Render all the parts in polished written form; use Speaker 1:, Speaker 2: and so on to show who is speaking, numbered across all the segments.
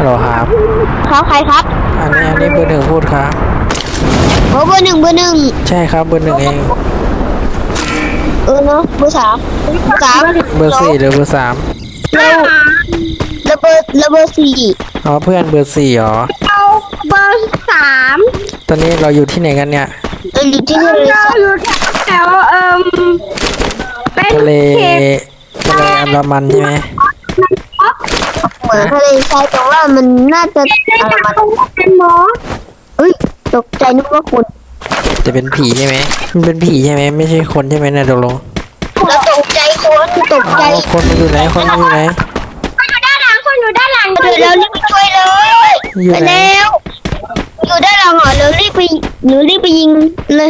Speaker 1: ฮัลโหลครับ
Speaker 2: ครับใครครับ
Speaker 1: อันนี้เบอร์หนึ่งพูดครับ
Speaker 2: โอ้เบอร์หนึ่ง
Speaker 1: ใช่ครับเบอร์หนึ่งเอง
Speaker 2: เนาะเบอร์สาม
Speaker 1: เบอร์สี่หรือเบอร์สาม
Speaker 2: เราเบอร์สี่
Speaker 1: อ๋อเพื่อนเบอร์สี่เหรอ
Speaker 2: เอาเบอร์สาม
Speaker 1: ตอนนี้เราอยู่ที่ไหนกันเนี่ย
Speaker 2: เราอยู่ที่ทะเลแถวเป็น
Speaker 1: ทะเลอันดามันใช่ไหม
Speaker 2: เหมือนทะเลทรายแต่ว่ามันน่าจะอะไรมาเป็นหมอตกใจนึกว่าคน
Speaker 1: จะเป็นผีใช่ไหมมันเป็นผีใช่ไหมไม่ใช่คนใช่ไหมเนี่ยตกลง
Speaker 2: แล้วตกใจคนตกใจ
Speaker 1: คนมันอยู่ไหนคนมันอยู่ไหน
Speaker 2: คนอยู่ด้านหลังเดี๋ยวเรารีบไปช่วยเลยไปแล้วอยู่ด้านหลังเหรอเรารีบไปยิงเลย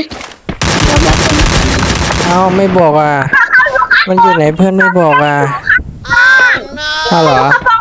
Speaker 1: เอาไม่บอกอ่ะมันอยู่ไหนเพื่อนไม่บอกอ่ะอ้าวเหรอ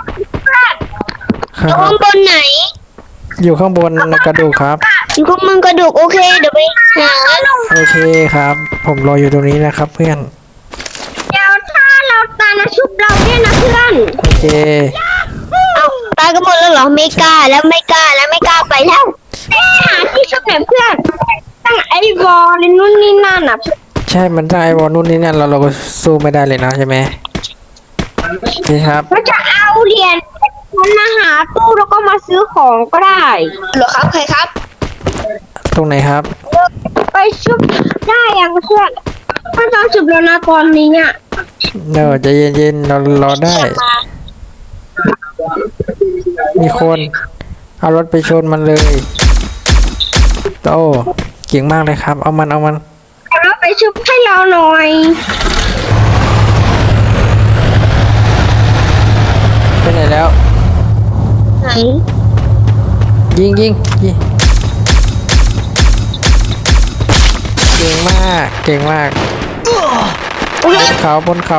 Speaker 2: อยู่ข้างบนไหน
Speaker 1: อยู่ข้างบนกระดูกครับ
Speaker 2: อยู่ข้างบนกระดูกโอเคเดี๋ยวไปหา
Speaker 1: โอเคครับผมรออยู่ตรงนี้นะครับเพื่อน
Speaker 2: เดี๋ยวถ้าเราตายนะชุบเราเนี่ยนะเพื่อน
Speaker 1: โอเค
Speaker 2: เอาตายกันหมดแล้วเหรอไม่กล้าไปแล้วหาที่ชุบไหนเพื่อนตั้งไอ้วอลนู่นนี่นั่นอ่ะ
Speaker 1: ใช่มันตั้งไอวอลนู่นนี่นั่นเราก็สู้ไม่ได้เลยนะใช่ไหมนี่ครับ
Speaker 2: เราจะเอาเหรียญมันมาหาตู้แล้วก็มาซื้อของก็ได้เหรอครับใครครับ
Speaker 1: ตรงไหนครับ
Speaker 2: ไปชุบได้ยังเพื่อนถ้าต้องชุบแล้วนะตอนนี้เนี่ย
Speaker 1: ใจเย็นๆเรารอได้มีคนเอารถไปชนมันเลยโตเก่งมากเลยครับเอามัน
Speaker 2: เอารถไปชุบให้เราหน่อย
Speaker 1: ไปไหนแล้ว
Speaker 2: ไหน
Speaker 1: ยิงเก่งมากบนเขา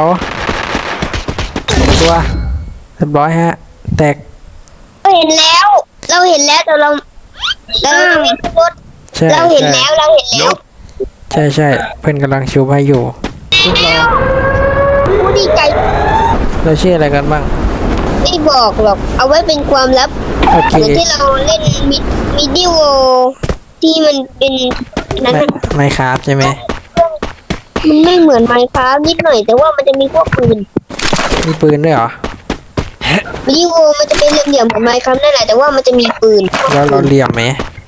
Speaker 1: ตัวเรียบร้อยฮะแตก
Speaker 2: เราเห็นแล้วแต่เราไม่รถเราเห็นแล้ว
Speaker 1: ใช่เพื่อนกำลังชูให้อยู่
Speaker 2: ผู้ดีใจ
Speaker 1: เราชื่ออะไรกันบ้าง
Speaker 2: ไม่บอกหรอกเอาไว้เป็นความลับเหมือนที่เราเล่นมิดิโอที่มันเป็นนั้น
Speaker 1: ไมค์ครับใช่ไหม
Speaker 2: มันไม่เหมือนไมค์ครับนิดหน่อยแต่ว่ามันจะมีพวกปืน
Speaker 1: ด้วยเหรอ
Speaker 2: มิดิโอมันจะเป็นเหลี่ยมๆเหมือนไมค์ครับนั่นแหละแต่ว่ามันจะมีปืน
Speaker 1: แล้วเราเหลี่ยมไหม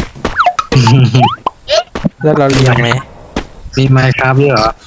Speaker 3: มีไมค์ครับด้วยเหรอ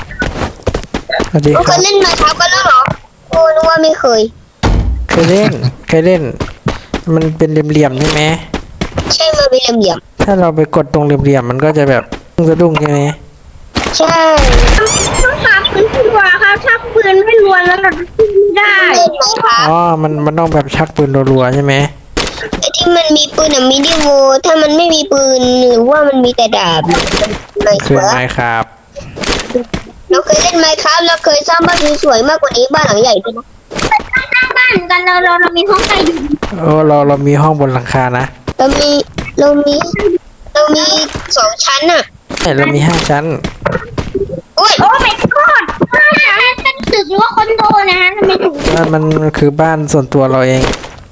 Speaker 2: เคยเล่นไมค์ครับกันแล้วเหรอโอ้นึกว่าไม่เคย
Speaker 1: เล่นมันเป็นเหลี่ยมใช่ไหม
Speaker 2: ใช่มันเป็นเหลี่ยม
Speaker 1: ถ้าเราไปกดตรงเหลี่ยมมันก็จะแบบสะดุ้งใช่ไหม
Speaker 2: ใช่ต้องหาปืนดีกว่าครับถ้าปืนไม่รัวแล้วเราไม่ได้
Speaker 1: อ๋อมันต้องแบบชักปืนรัวๆใช่ไหม
Speaker 2: ไอ้ที่มันมีปืนมิดิโวถ้ามันไม่มีปืนหรือว่ามันมีแต่ดาบ
Speaker 1: คือไมค์ครับ
Speaker 2: เราเคยเล่นไมค์ครับเราเคยสร้างบ้านสวยๆมากกว่านี้บ้านหลังใหญ่ด้วยนะสร้างบ้านกันเรามีห้องใต้ดิน
Speaker 1: เรามีห้องบนหลังคานะ
Speaker 2: เรามี2 ชั้นอ่ะ
Speaker 1: เรามี5 ชั้น
Speaker 2: โอ้ไม่กอด5 ชั้นเป็นตึกหรือว่าคอนโดนะฮะไม่ถูก
Speaker 1: มันคือบ้านส่วนตัวเราเอง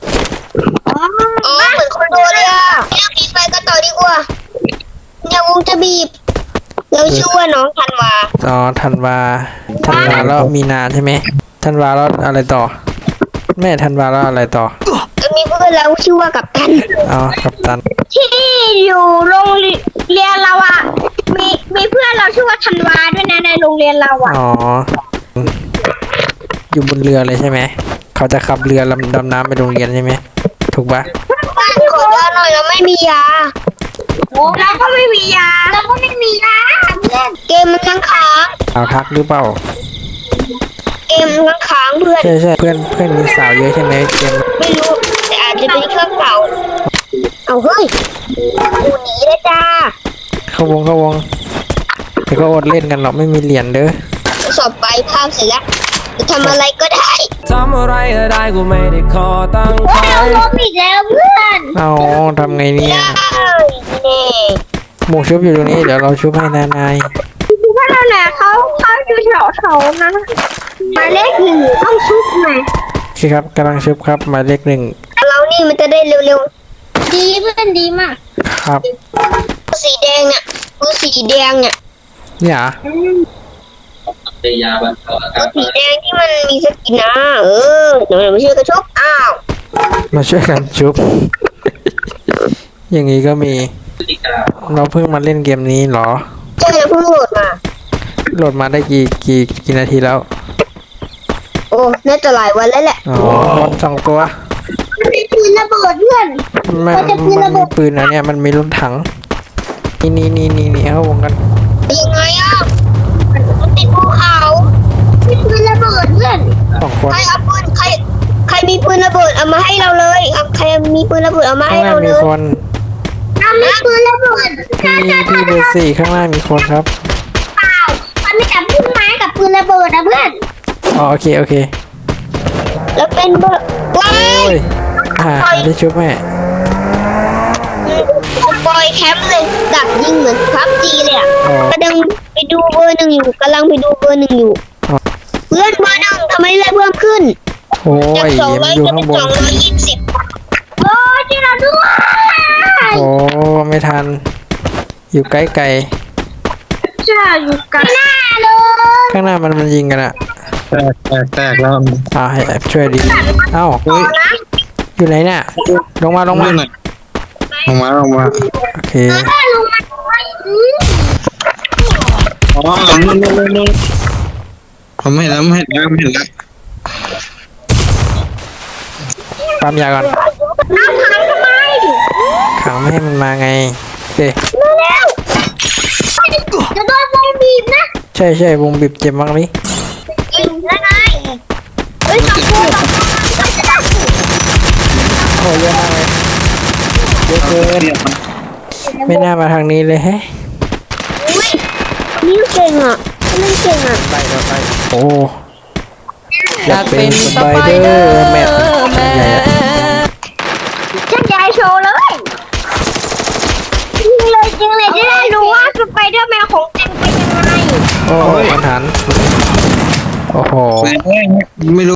Speaker 2: เหมือนคอนโดเลยอ่ะเราปิดไฟกันต่อดีกว่าเนี่ยวงจะบีบเราชื่อว่าน้องธันวา
Speaker 1: ธันวาแล้วมีนาใช่ไหมธันวาแล้วอะไรต่อแม่ธันวาแล้วอะไรต่อ
Speaker 2: มีเพื่อนเราชื่อว่ากัปตัน
Speaker 1: กัปตัน
Speaker 2: ที่อยู่โรงเรียนเราอ่ะมีเพื่อนเราชื่อว่าธันวาด้วยนะในโรงเรียนเราอ่ะ
Speaker 1: อยู่บนเรือเลยใช่ไหมเขาจะขับเรือดำน้ำไปโรงเรียนใช่ไหมถูกปะ
Speaker 2: บ้านขอยาหน่อยเราไม่มียาเราก็ไม่มียาเกมมันค้าง
Speaker 1: ทักหรือเปล่า
Speaker 2: เกมมันค้างเพื่อน
Speaker 1: ใช่เพื่อนมีสาวเยอะใช่ไหมเกม
Speaker 2: ไม่รู้แต่อาจจะเป็นเครื่องเก่าเอาเฮ้ยกูหนีเลยจ้า
Speaker 1: เข้าวงแต่ก็อดเล่นกันหรอกไม่มีเหรียญเด้อ
Speaker 2: สอบไปภาพเสร็จแล้วจะทำอะไรก็ได้
Speaker 1: กูไม่ได้ขอตั้งใจ
Speaker 2: เราล้มอีกแล้วเพื่อน
Speaker 1: ทำไงเนี่ยหมูชุบอยู่ตรงนี้เดี๋ยวเราชุบให้นาย
Speaker 2: เพื่อนเราแหละเขาอยู่แถวนั้นหมายเลข 1ต้องชุบไหม
Speaker 1: ใช่ครับกำลังชุบครับหมายเลข 1
Speaker 2: เรานี่นี่มันจะได้เร็วๆดีเพื่อนดีมาก
Speaker 1: ครับ
Speaker 2: สีแดงเนี่ยคือสีแดงเนี่ย
Speaker 1: เนี่ยเหรอ
Speaker 3: ยาบรรเทาอาการ
Speaker 2: สีแดงที่มันมีสกินนะเดี๋ยวไม่เชื่อกระชกอ้าว
Speaker 1: มาช่วยกันชุบ อย่างนี้ก็มี
Speaker 3: พฤติกรรม
Speaker 1: เราเพิ่งมาเล่นเกมนี้เหรอ
Speaker 2: ใช่แล้วเพิ่งโหลดมา
Speaker 1: โหลดมาได้กี่นาทีแล้ว
Speaker 2: โอ้น่าจะหลายวันแล้วแหละ
Speaker 1: อ๋อมดสองตัว
Speaker 2: มันมีปืนระเบิดเพื่อน
Speaker 1: มัน
Speaker 2: มันจะปืนระเบิ
Speaker 1: มี
Speaker 2: ด
Speaker 1: ปืนนะเนี่ยมันมีรถถัง นี่เข้าวงกัน
Speaker 2: ยังไงอ่ะมันติดภูเขามีปืนระเบิดเพื่อน
Speaker 1: สองคน
Speaker 2: ใครเอาปืนใครมีปืนระเบิดเอามาให้เราเลยใครมีปืนระเบิดเอามา
Speaker 1: ข้าง
Speaker 2: ให้
Speaker 1: หน้า
Speaker 2: เราเล
Speaker 1: มี
Speaker 2: ย
Speaker 1: คน
Speaker 2: มีปืนระเบิด
Speaker 1: พี่เบอร์สี่ข้างหน้ามีคนครับ
Speaker 2: เปล่ามันไม่จับพุ่มไม้กับปืนระเบิดนะเพื่อน
Speaker 1: อ๋อโอเค
Speaker 2: แล้วเป็นเบอร์ว้า
Speaker 1: โอ้
Speaker 2: ย
Speaker 1: ยได้ชุบแม่
Speaker 2: บอยแคมป์เลยดักยิงเหมือนพับจีเลยอ่ะ
Speaker 1: อ๋อก
Speaker 2: ำลังไปดูเบอร์หนึ่งอยู่กำลังไปดูเบอร์หนึ่งอยู่ เพื่อนเบอร์หนึ่งทำไมเลยเพิ่มขึ้น
Speaker 1: โอ้
Speaker 2: จาก
Speaker 1: ย
Speaker 2: 200
Speaker 1: มันอยู่
Speaker 2: จะเป็
Speaker 1: ข้าน งบน
Speaker 2: 220โอ้ยช่วยเราด้วย
Speaker 1: โอ้ไม่ทัน อยู่ใกล้ไกล
Speaker 2: ใช่อยู่กันหน้าเลย
Speaker 1: ข้างหน้ามันยิงกันอะ
Speaker 3: แตกแล้ว
Speaker 1: ให้แอบช่วยดีเอ้า
Speaker 3: เฮ้ย
Speaker 2: นะ
Speaker 1: อยู่ไหนเนี่ยลงมา
Speaker 3: ลงมาลงมา
Speaker 1: โอเค
Speaker 2: ถ้าลงมาด้วย
Speaker 3: อ๋อนู่นผมเห็นแล้วไม่เห็นแล้ว
Speaker 1: ปั๊มยาก่อน
Speaker 2: น้ำขังทำไม
Speaker 1: ขังไม่ให้มันมาไงเด้
Speaker 2: เร็วจะโดนวงบีบนะ
Speaker 1: ใช่วงบีบเจ็บมากเลย
Speaker 2: ยิงแล้วไงเฮ้ยสองตัวจะได้
Speaker 1: โอ้เยอะมากเลยเยอะเกินไม่น่ามาทางนี้เลยแฮะ
Speaker 2: อุ้ยนี่เก่งอ่ะเล่นเก่งอ่ะ
Speaker 1: ไปโอ้
Speaker 4: อยากเป็นสไปเดอร์แมน
Speaker 2: ฉันจะให้โชว์เลยจริงเลยจะได้รู้ว่าสไปเดอร์แมนของจริงเป็นยังไง
Speaker 1: โอ้มันหันโอ้โห
Speaker 3: ไม่รู้